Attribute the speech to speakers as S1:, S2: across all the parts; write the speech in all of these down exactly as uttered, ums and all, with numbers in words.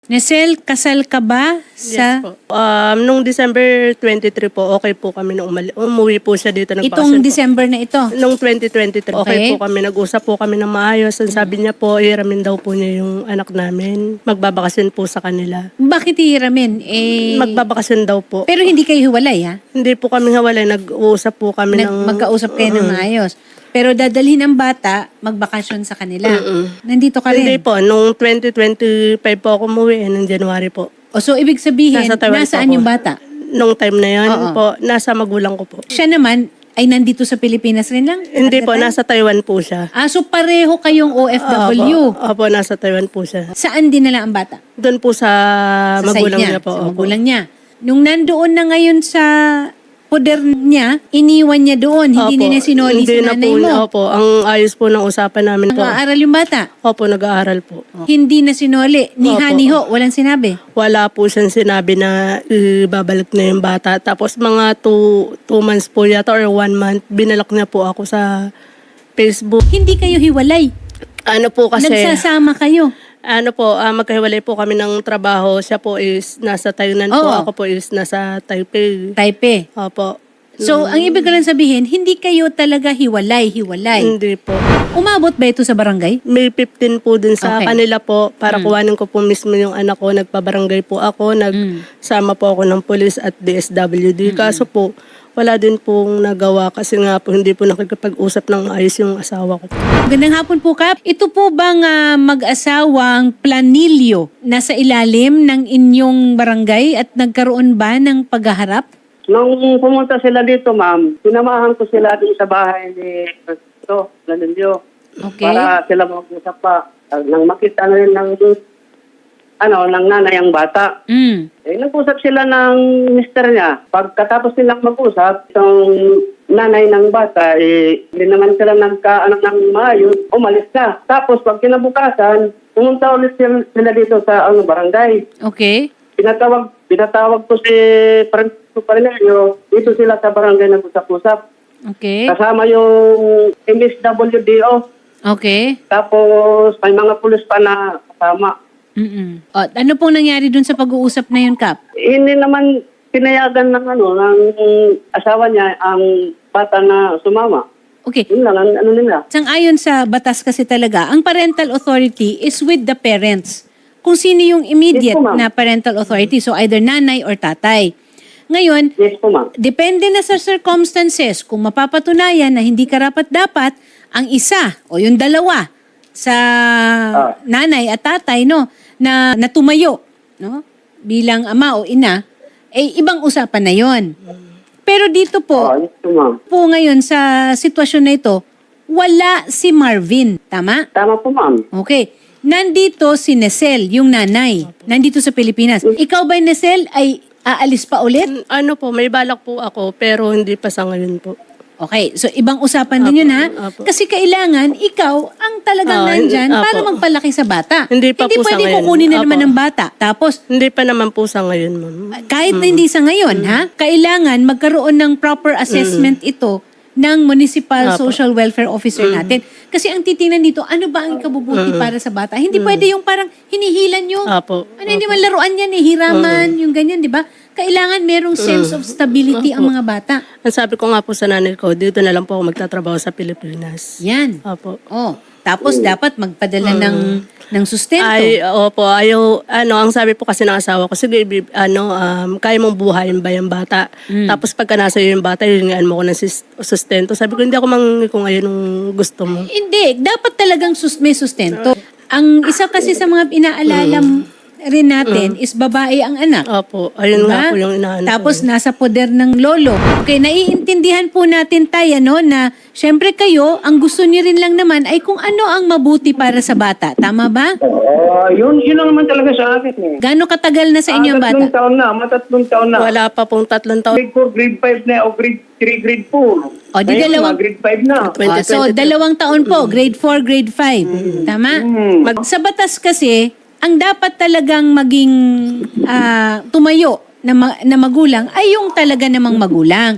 S1: Nesel, kasal ka ba sa...
S2: Yes po. Um, nung December twenty-three po, okay po kami nung umali- umuwi po siya dito.
S1: Itong
S2: Nagpakasal po.
S1: December na ito?
S2: Nung twenty twenty-three, okay.
S1: Okay.
S2: po kami. Nag-usap po kami ng maayos. Ang sabi niya po, iramin daw po niya yung anak namin. Magbabakasyon po sa kanila.
S1: Bakit ihiramin? Eh,
S2: Magbabakasyon daw po.
S1: pero hindi kayo hiwalay, ha?
S2: Hindi po kami hawalay. Nag-uusap po kami
S1: Nag,
S2: ng...
S1: magkausap kayo ng maayos. Pero dadalhin ang bata, magbakasyon sa kanila.
S2: Mm-mm.
S1: Nandito ka rin.
S2: Hindi po. Nung twenty twenty-five po ako umuwi. Eh, nung January po.
S1: O so, ibig sabihin,
S2: Nasa Taiwan
S1: nasaan
S2: po ako.
S1: yung bata?
S2: Nung time na yun
S1: Oo.
S2: po, nasa magulang ko po.
S1: Siya naman, ay nandito sa Pilipinas rin lang?
S2: Hindi
S1: at the
S2: po,
S1: time?
S2: nasa Taiwan po siya.
S1: Ah, so pareho kayong O F W.
S2: Opo, opo, nasa Taiwan po siya.
S1: Saan dinala ang bata?
S2: Doon po sa,
S1: Sa
S2: magulang
S1: side
S2: niya, po.
S1: Sa
S2: opo.
S1: magulang niya. Nung nandoon na ngayon sa poder niya, iniwan niya doon. Hindi
S2: Opo,
S1: niya sinoli
S2: hindi
S1: sa
S2: na
S1: nanay
S2: po,
S1: mo.
S2: Opo, ang ayos po ng usapan namin po.
S1: Nag-aaral yung bata.
S2: Opo, nag-aaral po.
S1: Hindi na sinoli. Ni
S2: Opo.
S1: Hani ho, walang sinabi.
S2: Wala po siyang sinabi na ibabalik na yung bata. Tapos mga two, two months po yata or one month, binalak niya po ako sa Facebook.
S1: Hindi kayo hiwalay.
S2: Ano po kasi...
S1: Nagsasama kayo.
S2: Ano po, ah, magkahiwalay po kami ng trabaho. Siya po is nasa Tainan po,
S1: Oo.
S2: ako po is nasa Taipei.
S1: Taipei.
S2: Opo.
S1: So, ang ibig ko lang sabihin, hindi kayo talaga hiwalay-hiwalay.
S2: Hindi po.
S1: Umabot ba ito sa barangay?
S2: May fifteen po dun sa
S1: Okay.
S2: kanila po para kuhanin ko po mismo yung anak ko. Nagpabarangay po ako, nagsama po ako ng police at D S W D. Kaso po, wala din pong nagawa kasi nga po hindi po nakikipag-usap ng ayos yung asawa ko.
S1: Magandang hapon po, Kap. Ito po bang ah, mag-asawang planilyo nasa ilalim ng inyong barangay at nagkaroon ba ng paghaharap?
S3: Nung pumunta sila dito, ma'am, sinamahan ko sila din sa bahay ni Ito, Lanilio.
S1: Okay.
S3: Para sila mag-usap pa. Uh, nang makita na rin ng, ano, ng nanay ang bata.
S1: Mm.
S3: Eh, nag-usap sila ng mister niya. Pagkatapos nilang mag-usap, itong nanay ng bata, eh, hindi naman sila nagkaanak ng maayos, umalis na. Tapos, pag kinabukasan, pumunta ulit sila, sila dito sa ano, barangay.
S1: Okay.
S3: Pinatawag, pinatawag ko si Francisco Parinello, dito sila sa barangay nag-usap-usap.
S1: Okay.
S3: Kasama yung M S W D O.
S1: Okay.
S3: Tapos may mga pulis pa na kasama.
S1: Mm-mm. O, ano pong nangyari dun sa pag-uusap na yun, Kap?
S3: Hindi naman pinayagan ng ano ng asawa niya ang bata na sumama.
S1: Okay.
S3: Yun lang ang ano nila.
S1: Sang-ayon sa batas kasi talaga, ang parental authority is with the parents. Kung sino yung immediate
S3: Yes po, ma'am.
S1: na parental authority. So either nanay or tatay. Ngayon,
S3: Yes po, ma'am.
S1: depende na sa circumstances kung mapapatunayan na hindi karapat-dapat ang isa o yung dalawa sa
S3: Ah.
S1: nanay at tatay no na natumayo no bilang ama o ina eh ibang usapan na 'yon. Pero dito po
S3: Ah, yes po, ma'am.
S1: po ngayon sa sitwasyon na ito, wala si Marvin, tama?
S3: Tama po, ma'am.
S1: Okay. Nandito si Nesel, yung nanay. Nandito sa Pilipinas. Ikaw ba, Nesel, ay aalis pa ulit?
S2: Mm, Ano po, may balak po ako pero hindi pa sa ngayon po.
S1: Okay, so ibang usapan din yun ha?
S2: apo.
S1: Kasi kailangan ikaw ang talagang
S2: Ah,
S1: nandyan
S2: apo.
S1: para magpalaki sa bata.
S2: Hindi pa po sa
S1: pwede
S2: ngayon.
S1: kukunin na naman
S2: Apo.
S1: ng bata. Tapos,
S2: Hindi pa naman po sa ngayon, ma'am.
S1: kahit na hindi sa ngayon, ha? Kailangan magkaroon ng proper assessment ito ng Municipal
S2: Apo.
S1: Social Welfare Officer natin. Kasi ang titingnan dito, ano ba ang ikabubuti para sa bata? Hindi pwede yung parang hinihilan yung,
S2: Apo.
S1: ano, hindi man laruan yan eh, hiraman, yung ganyan, di ba? Kailangan merong sense of stability ang mga bata.
S2: Ang sabi ko nga po sa nanay ko, dito na lang po ako magtatrabaho sa Pilipinas.
S1: Yan.
S2: Opo.
S1: Oh, tapos dapat magpadala ng ng sustento.
S2: Ay, opo, ayaw, ano, ang sabi po kasi ng asawa ko, sige, bib- ano, um, kaya mong buhayin ba yung bata? Tapos pagka nasa iyo yung bata, hihingaan mo ko ng sis- sustento. Sabi ko, hindi ako mangingi kung ayun ang gusto mo.
S1: Hindi, dapat talagang sus may sustento. Ang isa kasi sa mga inaalala rin natin is babae ang anak.
S2: Opo, ayun
S1: Diba?
S2: nga po yung inaano
S1: Tapos
S2: ko.
S1: nasa poder ng lolo. Okay, naiintindihan po natin tayo no, na syempre kayo, ang gusto niyo rin lang naman ay kung ano ang mabuti para sa bata. Tama ba?
S3: Ah, yun, yun lang naman talaga sa akin eh.
S1: Gaano katagal na sa inyo ang
S3: Ah, tatlong
S1: bata?
S3: taon na, matatlong taon na.
S2: Wala pa pong tatlong taon.
S3: Grade four, grade five na, o grade three, grade four.
S1: O, di
S3: Ngayon,
S1: dalawang-
S3: mga grade five na.
S1: Oh, so, dalawang taon po, grade four, grade five. Tama?
S3: Hmm.
S1: Mag, sa batas kasi, ang dapat talagang maging ah, tumayo na, ma- na magulang ay yung talaga namang magulang.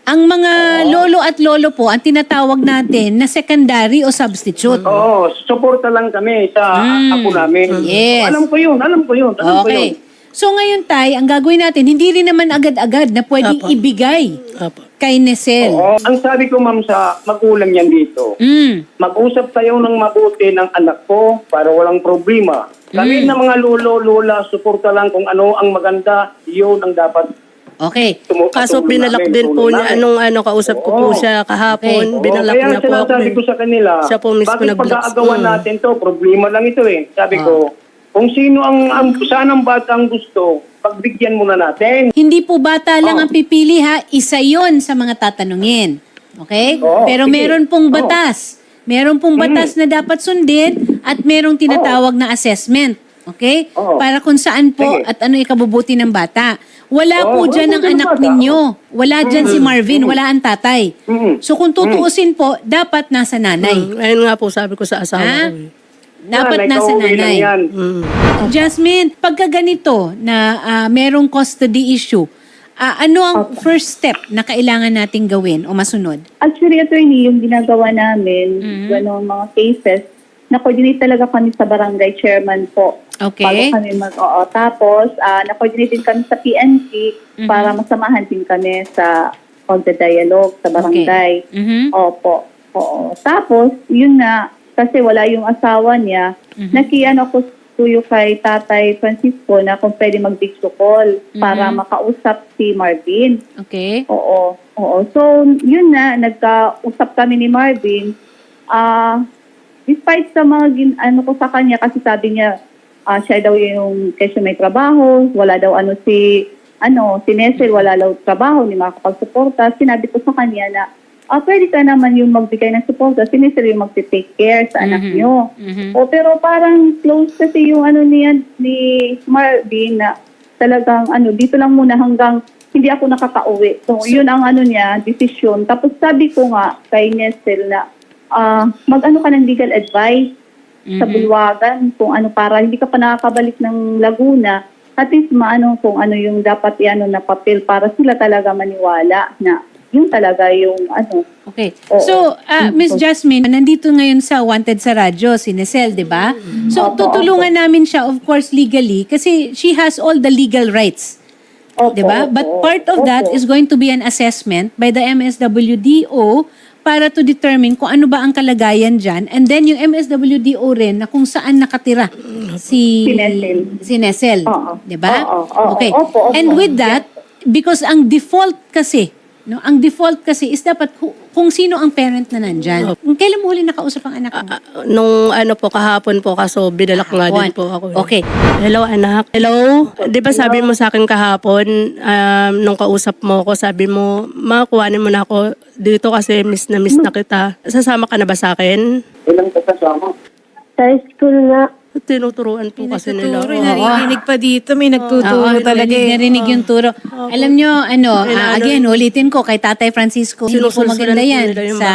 S1: Ang mga lolo at lolo po, ang tinatawag natin na secondary o substitute.
S3: Oo, suporta lang kami sa
S1: Mm.
S3: ako namin.
S1: Yes.
S3: Alam ko yun, alam ko yun, alam ko yun.
S1: Okay. So ngayon, Tay, ang gagawin natin, hindi rin naman agad-agad na pwedeng
S2: Apo.
S1: ibigay
S2: Apo.
S1: kay Nesel.
S3: Oo, ang sabi ko ma'am sa magulang yan dito,
S1: Mm.
S3: mag-usap tayo ng mabuti ng anak ko para walang problema. Kami na mga lolo, lola, suporta lang kung ano ang maganda, yun ang dapat.
S1: Okay.
S3: tumu-
S2: Kaso
S3: tulong
S2: binalak
S3: namin,
S2: din po
S3: tulong
S2: niya,
S3: namin.
S2: anong ano, kausap ko po
S3: Oo.
S2: siya kahapon,
S3: Oo,
S2: binalak
S3: kaya
S2: niya po ako.
S3: sinasabi ko sa kanila,
S2: Siya po mismo
S3: bakit
S2: nag-blocks.
S3: pag-aagawan
S2: Mm.
S3: natin to, problema lang ito eh. Sabi
S1: Ah.
S3: ko, kung sino ang, ang saan ang bata ang gusto, pagbigyan muna natin.
S1: Hindi po bata lang
S3: Oh.
S1: ang pipili ha, isa yon sa mga tatanungin. Okay?
S3: Oo,
S1: Pero
S3: sige.
S1: meron pong
S3: Oo.
S1: batas. Meron pong batas na dapat sundin at merong tinatawag na assessment. Okay?
S3: Oo.
S1: Para kung saan po
S3: Sige.
S1: at ano ikabubuti ng bata. Wala
S3: Oo,
S1: po
S3: wala
S1: dyan
S3: po
S1: ang
S3: dyan
S1: anak
S3: bata.
S1: ninyo. Wala dyan si Marvin, wala ang tatay.
S3: Mm.
S1: So kung tutuusin po, dapat nasa nanay.
S2: Mm, ayun nga po sabi ko sa asawa
S1: Ha?
S2: ko. eh.
S1: Dapat
S3: Yan,
S1: nasa
S3: ikaw, uwi lang
S1: nanay.
S3: yan.
S2: Mm.
S1: Jasmine, pagka ganito na ah, merong custody issue, ah, ano ang first step na kailangan nating gawin o masunod?
S4: Actually, attorney, yung ginagawa namin,
S1: Mhm.
S4: gano'ng mga cases, na-coordinate talaga kami sa barangay chairman po.
S1: Okay.
S4: Bago kami mag oo. Tapos, ah, na-coordinate din kami sa P N C
S1: Mhm.
S4: para masamahan din kami sa pagda-dialogue sa barangay.
S1: Mhm.
S4: Opo. Oo. Tapos, yun nga, kasi wala yung asawa niya,
S1: Mhm.
S4: nakiano ko tuyo kay Tatay Francisco na kung pwede mag-video call para
S1: Mhm.
S4: makausap si Marvin.
S1: Okay.
S4: Oo. Oo. So, yun na, nagkausap kami ni Marvin. Ah, despite sa mga gin, ano ko sa kanya, kasi sabi niya, ah, siya daw yung kasi may trabaho, wala daw ano si, ano, si Nesel, wala daw trabaho, hindi makakapagsuporta. Sinabi ko sa kanya na, ah, pwede ka naman yung magbigay ng suporta, si Nesel yung mag-take care sa anak
S1: Mhm.
S4: niyo.
S1: Mhm.
S4: O pero parang close kasi yung ano niya ni Marvin na talagang ano dito lang muna hanggang hindi ako nakakauwi. So, yun ang ano niya, desisyon. Tapos sabi ko nga kay Nesel na ah, mag-ano ka ng legal advice sa
S1: Mhm.
S4: bulwagan kung ano para hindi ka pa nakakabalik ng Laguna. At least maano kung ano yung dapat iano na papel para sila talaga maniwala na yun talaga yung ano.
S1: Okay.
S4: Oo.
S1: So, ah, Miss Jasmine, nandito ngayon sa Wanted sa Radyo, si Nesel, di ba? So,
S4: Opo,
S1: tutulungan namin siya, of course, legally, kasi she has all the legal rights.
S4: Opo,
S1: Di ba? But
S4: opo,
S1: part of that
S4: opo.
S1: is going to be an assessment by the M S W D O para to determine kung ano ba ang kalagayan dyan. And then yung M S W D O rin na kung saan nakatira si,
S4: Si Nesel.
S1: si Nesel.
S4: Oo.
S1: Di ba?
S4: Oo, oo,
S1: Okay.
S4: opo, opo.
S1: And with that, because ang default kasi, no, ang default kasi is dapat hu- kung sino ang parent na nandyan. Kailan mo huli nakausap ang anak mo?
S2: Ah, nung ano po, kahapon po, kaso binalak nga din
S1: Kahapon.
S2: po ako. eh.
S1: Okay.
S2: Hello, anak. Hello? Di ba sabi mo sa akin kahapon, um, nung kausap mo ko, sabi mo, ma, kuhanin mo na ako dito kasi miss na miss na kita. Sasama ka na ba sa akin?
S3: Ilang kasama?
S4: Sa school na.
S2: Tinuturuan po kasi nila.
S5: Nagtuturo,
S2: Oo.
S5: naririnig pa dito, may nagtuturo
S1: Oo,
S5: talaga
S1: narinig,
S5: eh.
S1: narinig yung turo. Alam nyo, ano,
S2: Kailangan-
S1: ah, again, ulitin ko kay Tatay Francisco, hindi po
S2: Sinusulsulan
S1: maganda
S2: po
S1: yan
S2: nila yung
S1: sa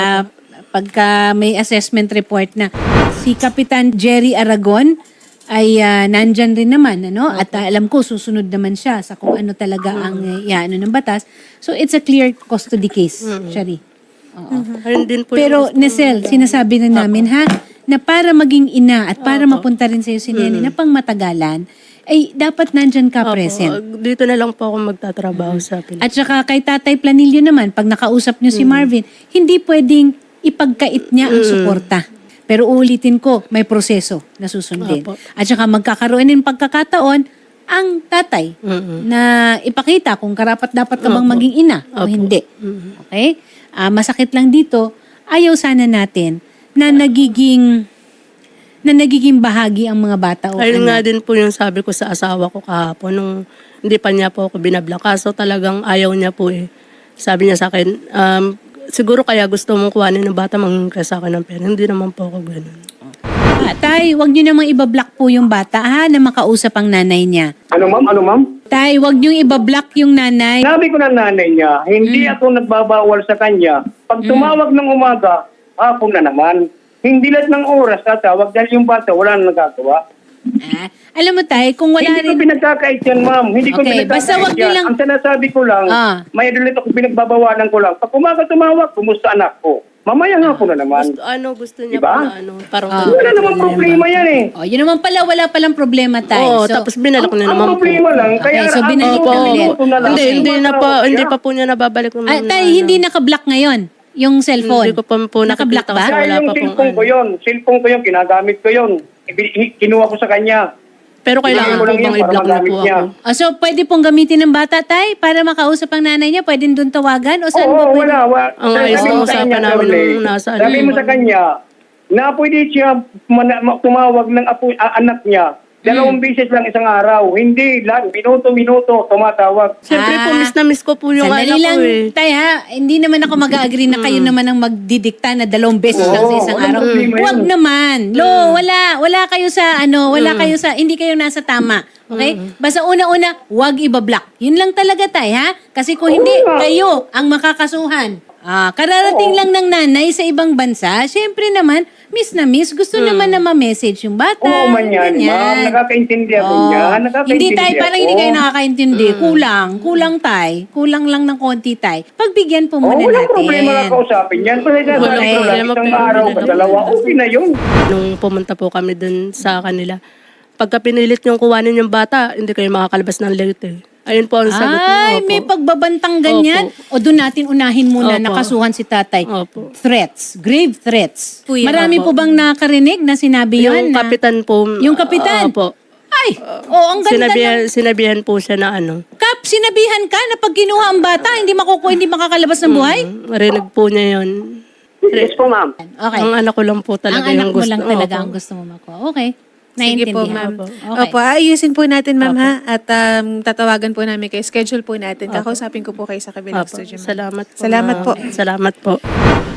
S1: pagka may assessment report na. Si Kapitan Jerry Aragon ay ah, nandyan rin naman, ano? At ah, alam ko, susunod naman siya sa kung ano talaga ang uh, ano ng batas. So, it's a clear custody case, Shari. Oo.
S2: Ayun din po
S1: Pero,
S2: yung-
S1: Nesel, sinasabi na namin, ha, na para maging ina at para mapunta rin sa'yo si Nene na pang matagalan, ay dapat nandyan ka
S2: Opo,
S1: present.
S2: dito na lang po ako magtatrabaho sa Pilipinas.
S1: At saka kay Tatay Planilio naman, pag nakausap niyo si Marvin, hindi pwedeng ipagkait niya ang suporta. Pero uulitin ko, may proseso na susundin.
S2: Opo.
S1: At saka magkakaroon ng pagkakataon ang tatay
S2: Mm-mm.
S1: na ipakita kung karapat dapat ka bang
S2: Opo.
S1: maging ina o
S2: Opo.
S1: hindi. Okay? Ah, masakit lang dito, ayaw sana natin na nagiging na nagiging bahagi ang mga bata o
S2: Ayun nga
S1: anak.
S2: din po yung sabi ko sa asawa ko kahapon nung hindi pa niya po ako binabla. Kaso talagang ayaw niya po eh. Sabi niya sa akin, um, siguro kaya gusto mong kuhanin ng bata mangingka sa akin ng pera. Hindi naman po ako ganun.
S1: Ah, tay, wag niyo namang ibablock po yung bata ha na makausap ang nanay niya.
S3: Ano ma'am? Ano ma'am?
S1: Tay, wag niyo ibablock yung nanay.
S3: Sabi ko ng nanay niya, hindi ako nagbabawal sa kanya. Pag tumawag ng umaga, hapon na naman. Hindi lahat ng oras tatawag dahil yung bata wala na nagagawa.
S1: Ah, alam mo tay, kung wala
S3: Hindi ko
S1: rin...
S3: pinagkakait yan, ma'am. Hindi ko
S1: Okay,
S3: pinagkakait
S1: basta wag niyo
S3: yan.
S1: lang-
S3: Ang sinasabi ko lang,
S1: Ah.
S3: may ulit ako pinagbabawalan ko lang. Pag umaga tumawag, kumusta anak ko? Mamaya nga po na naman.
S2: Gusto, ano, gusto niya
S3: Diba?
S2: po na ano, parang...
S1: Ah.
S3: Wala naman problema yan eh.
S1: Oh, yun naman pala, wala palang problema tay.
S2: Oo,
S1: So,
S2: tapos binalik
S3: Ang,
S2: niya
S3: ang
S2: naman po.
S3: problema lang, kaya
S1: Okay, so
S3: ang-
S1: binalik
S3: ang-
S1: na
S3: ang-
S1: ulit.
S3: ang- ang-
S2: Hindi,
S3: ang-
S2: hindi na po,
S3: ang-
S2: hindi pa po niya nababalik ng
S1: ah,
S2: mga
S1: tay,
S2: ano.
S1: hindi naka-block ngayon yung cellphone.
S2: Hindi ko pa po
S1: Naka-block
S2: nakikita
S1: ba?
S2: kasi
S3: Kaya
S2: wala
S3: yung
S2: pa pong
S3: cellphone ko
S2: ano.
S3: yun. Cellphone ko yun, ginagamit ko yun. Ibi- Kinuha ko sa kanya.
S2: Pero kailangan
S3: Kailangan ko
S2: po
S3: lang yan
S2: bang
S3: para
S2: i-block na
S3: magamit
S2: po
S3: niya.
S2: ako?
S1: Oh, so, pwede pong gamitin ng bata, tay, para makausap ang nanay niya? Pwede doon tawagan? O saan
S3: Oo,
S1: ba pwede?
S3: wala. wala.
S2: Ang
S3: Sabi
S2: ayos
S3: mo
S2: na
S3: sa
S2: usapan
S3: kanya,
S2: namin
S3: Shirley,
S2: nung nasa ano.
S3: Sabi mo sa kanya, na pwede siya mana- ma- tumawag ng apo, ah, anak niya. Dalawang beses lang isang araw. Hindi lang. Minuto-minuto tumatawag.
S2: Siyempre po,
S1: Ah,
S2: miss na miss ko po yung
S1: Sandali
S2: anak
S1: lang,
S2: ko eh.
S1: tay ha. Hindi naman ako mag-agree na kayo naman ang magdidikta na dalawang beses lang sa
S3: Oo,
S1: isang
S3: walang
S1: araw.
S3: problema yan.
S1: Huwag naman. Lo, wala. Wala kayo sa ano, wala kayo sa, hindi kayo nasa tama. Okay? Basta una-una, huwag ibablock. Yun lang talaga tay ha. Kasi kung hindi,
S3: nga.
S1: kayo ang makakasuhan. Ah, kararating lang ng nanay sa ibang bansa, syempre naman, miss na miss, gusto naman na ma-message yung bata.
S3: Oo man yan, ma'am. Nakakaintindi ako
S1: Oo.
S3: niyan. Nakakaintindi
S1: Hindi tay, parang hindi
S3: ako.
S1: kayo nakakaintindi. Kulang. Kulang tay. Kulang lang ng konti tay. Pagbigyan po
S3: Oo,
S1: muna
S3: walang
S1: natin.
S3: problema na kausapin yan. Kasi
S2: Walang
S3: sasabi ko lang,
S2: problema,
S3: isang
S2: pero
S3: araw,
S2: wala
S3: dalawa, okay na yun.
S2: Nung pumunta po kami dun sa kanila, pagka pinilit yung kuwanin yung bata, hindi kayo makakalabas ng late eh. Ayun po ang sagot niyo.
S1: Ay,
S2: Opo.
S1: may pagbabantang ganyan. O doon natin unahin muna,
S2: Opo.
S1: nakasuhan si tatay.
S2: Opo.
S1: Threats. Grave threats.
S5: Po yan.
S1: Marami po
S2: Opo.
S1: bang nakarinig na sinabi yun?
S2: Yung
S1: na,
S2: kapitan po.
S1: Yung kapitan?
S2: Opo.
S1: Ay, oh, ang ganda
S2: Sinabihan,
S1: ng...
S2: sinabihan po siya na ano.
S1: Kap, sinabihan ka na pag kinuha ang bata, hindi makukuha, hindi makakalabas ng buhay?
S2: Marinig po niya yun.
S3: Yes po, ma'am.
S1: Okay.
S2: Ang anak ko lang po talaga
S1: ang anak
S2: yung
S1: mo
S2: gusto.
S1: lang talaga
S2: Opo.
S1: ang gusto mo makuha. Okay.
S5: Sige po,
S1: Naiintindihan.
S5: ma'am.
S1: Okay.
S5: Opo, ayusin po natin, ma'am, ha? At um, tatawagan po namin kayo. Schedule po natin. Kakausapin ko po kayo sa kabilang
S2: Opo.
S5: studio, ma'am.
S2: Salamat po.
S5: Salamat
S2: ma'am.
S5: po.
S2: Salamat po.